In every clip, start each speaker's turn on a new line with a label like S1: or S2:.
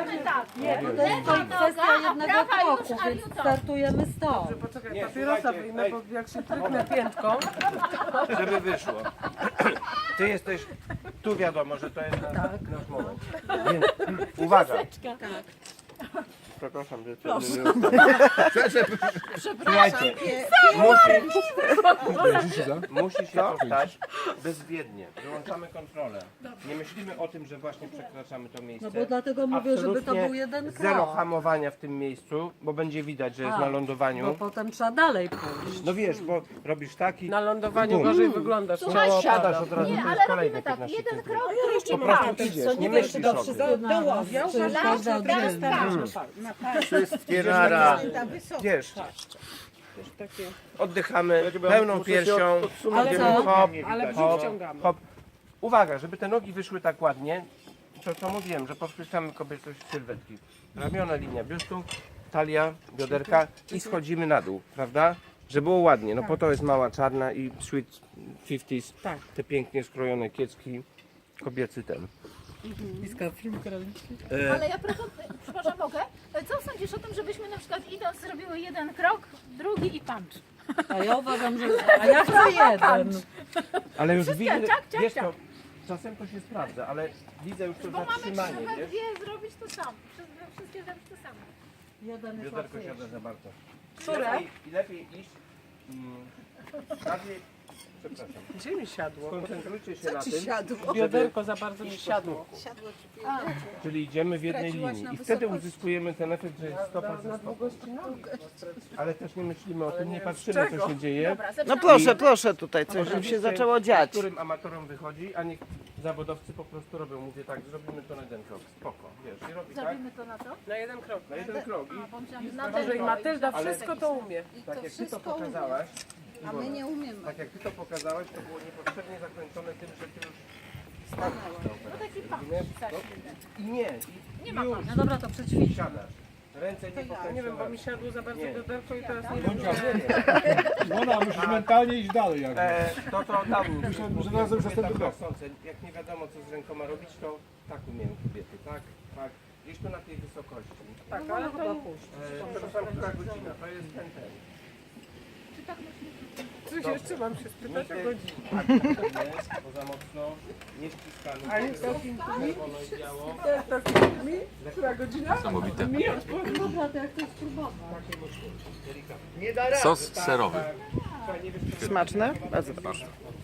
S1: Idziemy tak.
S2: Nie, to jest kwestia jednego kroku, więc startujemy stąd.
S3: Poczekaj,
S4: Nie,
S3: papierosa
S4: słuchajcie,
S3: wyjmę, bo jak się tryknę piętką.
S4: Żeby wyszło. Ty jesteś, tu wiadomo, że to jest nasz moment. Więc uwaga. Przepraszam, że to Słuchajcie, musi się to stać bezwiednie. Wyłączamy kontrolę. Nie myślimy o tym, że właśnie przekraczamy to miejsce.
S2: No bo dlatego mówię, żeby to
S4: Absolutnie
S2: był jeden
S4: zero
S2: krok.
S4: hamowania w tym miejscu, bo będzie widać, że jest na
S2: Bo
S4: lądowaniu.
S2: potem trzeba dalej pójść.
S4: No wiesz, bo robisz taki,
S3: Na lądowaniu
S4: Bum.
S3: gorzej wyglądasz.
S4: ciało siadasz od razu,
S1: Nie,
S4: to jest
S1: ale
S4: kolejne
S1: robimy tak.
S4: 15
S1: Jeden
S4: sekund.
S1: krok,
S4: Po prostu idziesz, nie myślisz o tym.
S2: Przecież każda oddzielnie.
S4: Wszystkie nara. Wiesz, oddychamy pełną piersią,
S2: Ale
S4: idziemy
S2: co?
S4: hop,
S3: Ale
S4: hop,
S3: brzuch ciągamy.
S4: hop. Uwaga, żeby te nogi wyszły tak ładnie, to co mówiłem, że podkreślamy kobiecość sylwetki. Ramiona, linia biustu, talia, bioderka i schodzimy na dół, prawda? Żeby było ładnie, no po to jest mała czarna i sweet 50s, te pięknie skrojone kiecki, kobiecy ten.
S2: Bliska film kraliczki.
S1: ale ja przepraszam, mogę? Co sądzisz o tym, żebyśmy na przykład idąc zrobiły jeden krok, drugi i punch?
S2: A ja uważam, że... A ja chcę jeden.
S4: Ale już widzę,
S1: ciak, ciak,
S4: wiesz
S1: ciak.
S4: to, czasem to się sprawdza, ale widzę już to
S1: Bo mamy
S4: zatrzymanie,
S1: we
S4: wiesz?
S1: dwie zrobić to samo. Wszystkie zrobić to samo.
S2: Jeden jest
S4: Bioderko
S2: łatwiejszy.
S4: siada za bardzo.
S3: Które?
S4: Lepiej iść bardziej, przepraszam,
S3: Gdzie mi siadło?
S4: skoncentrujcie się na tym,
S3: Bioderko za bardzo mi siadło.
S4: czyli idziemy w jednej linii i wtedy uzyskujemy ten efekt, że jest stopa za stopą. Ale też nie myślimy o tym, nie patrzymy co się dzieje,
S1: Dobra,
S5: No
S1: zaczynamy.
S5: proszę, proszę tutaj, coś im się zaczęło dziać.
S4: którym amatorom wychodzi, a niech zawodowcy po prostu robią. Mówię tak, zrobimy to na jeden krok, spoko, wiesz, i robi tak,
S1: Zrobimy to na to?
S3: Na jeden krok.
S4: na jeden krok i
S1: Bo myślałam, że na
S3: Może i
S1: ten
S3: Matylda
S4: Ale-
S3: wszystko to umie.
S4: tak jak ty to pokazałaś,
S6: A my nie umiemy.
S4: tak jak ty to pokazałaś, to było niepotrzebnie zakończone tym, że ty już
S1: No taki punch.
S4: i nie,
S1: Nie ma
S4: już
S2: No dobra, to przećwicz.
S4: siadasz. Ręce nie pokręcone.
S3: Nie wiem, bo mi siadło za bardzo
S4: Nie.
S3: bioderko i teraz nie
S4: Nie,
S3: wiem.
S4: nie.
S7: Ona musisz mentalnie iść dalej jakby.
S4: To dał mi.
S7: że razem przez ten
S4: tak
S7: drog.
S4: chcące. Jak nie wiadomo co z rękoma robić, to tak umieją kobiety, tak? Tak. Gdzieś tu na tej wysokości.
S3: Tak, ale to
S4: Przepraszam, która godzina? To jest ten.
S3: coś jeszcze mam się spytać o godzinę.
S4: Nie, bo za mocno, nie ściskamy.
S3: A jest to
S4: Czerwono i biało.
S3: mi? Która godzina?
S8: Niesamowite.
S2: Dobra, to jak to spróbować.
S4: Delikatnie.
S8: Sos serowy.
S4: Słuchaj, nie wiesz, co
S5: Smaczne? Bardzo proszę.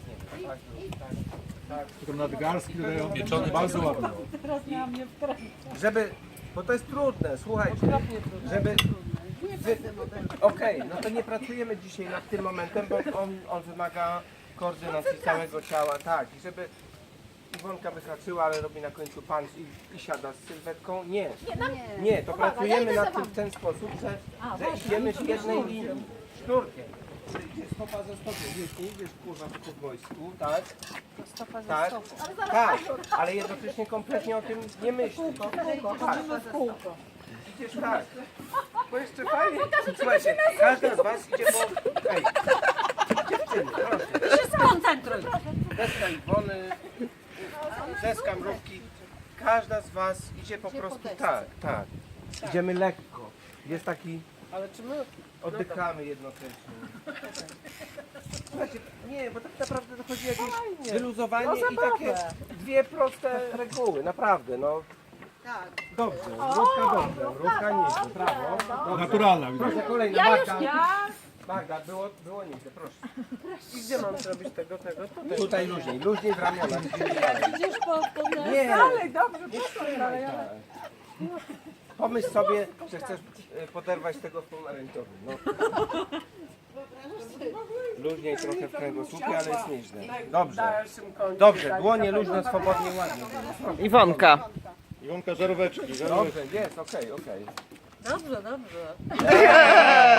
S7: Tylko nadgarstki dodają bardzo ładnie.
S4: żeby, bo to jest trudne, słuchajcie, żeby, okej, no to nie pracujemy dzisiaj nad tym momentem, bo on wymaga koordynacji całego ciała, tak, i żeby Iwonka wyhaczyła, ale robi na końcu punch i siada z sylwetką, nie, nie, to pracujemy nad tym w ten sposób, że idziemy w jednej linii, sznurkiem. Czyli idzie stopa za stopą, wiesz, nie idziesz kurwa tylko w wojsku, tak? Tak, tak, ale jednocześnie kompletnie o tym nie myślisz. Tak. Idziesz tak.
S3: Bo jeszcze fajnie.
S4: Słuchajcie, każda z was idzie po... Ej, dziewczyny, proszę.
S2: Się skoncentruj.
S4: Deska Iwony, deska Mrówki. Każda z was idzie po prostu tak, tak. Idziemy lekko. Jest taki...
S3: Ale czy my...
S4: Oddychamy jednocześnie. Słuchajcie, nie, bo tak naprawdę to chodzi o jakieś wyluzowanie i takie dwie proste reguły, naprawdę, no.
S6: Tak.
S4: Dobrze, mrówka dobrze, mrówka nieźle, brawo. Dobrze.
S7: Naturalna widać.
S4: Proszę, kolejna,
S1: Ja już
S4: Magda.
S1: nie.
S4: Magda, było nieźle, proszę.
S3: I gdzie mam zrobić tego?
S4: Tutaj luźniej w ramionach.
S2: Idziesz po
S4: Nie,
S3: Dalej, dobrze,
S4: nie ale... Pomyśl sobie, że chcesz poderwać tego w pomarańczowym. No. Luźniej trochę w kręgosłupie, ale jest nieźle. Dobrze.
S3: dalszym końcu.
S4: Dobrze, dłonie luźno, swobodnie, ładnie.
S5: Iwonka.
S7: Iwonka, żaróweczki.
S4: Dobrze, jest, okej.
S2: Dobrze, dobrze.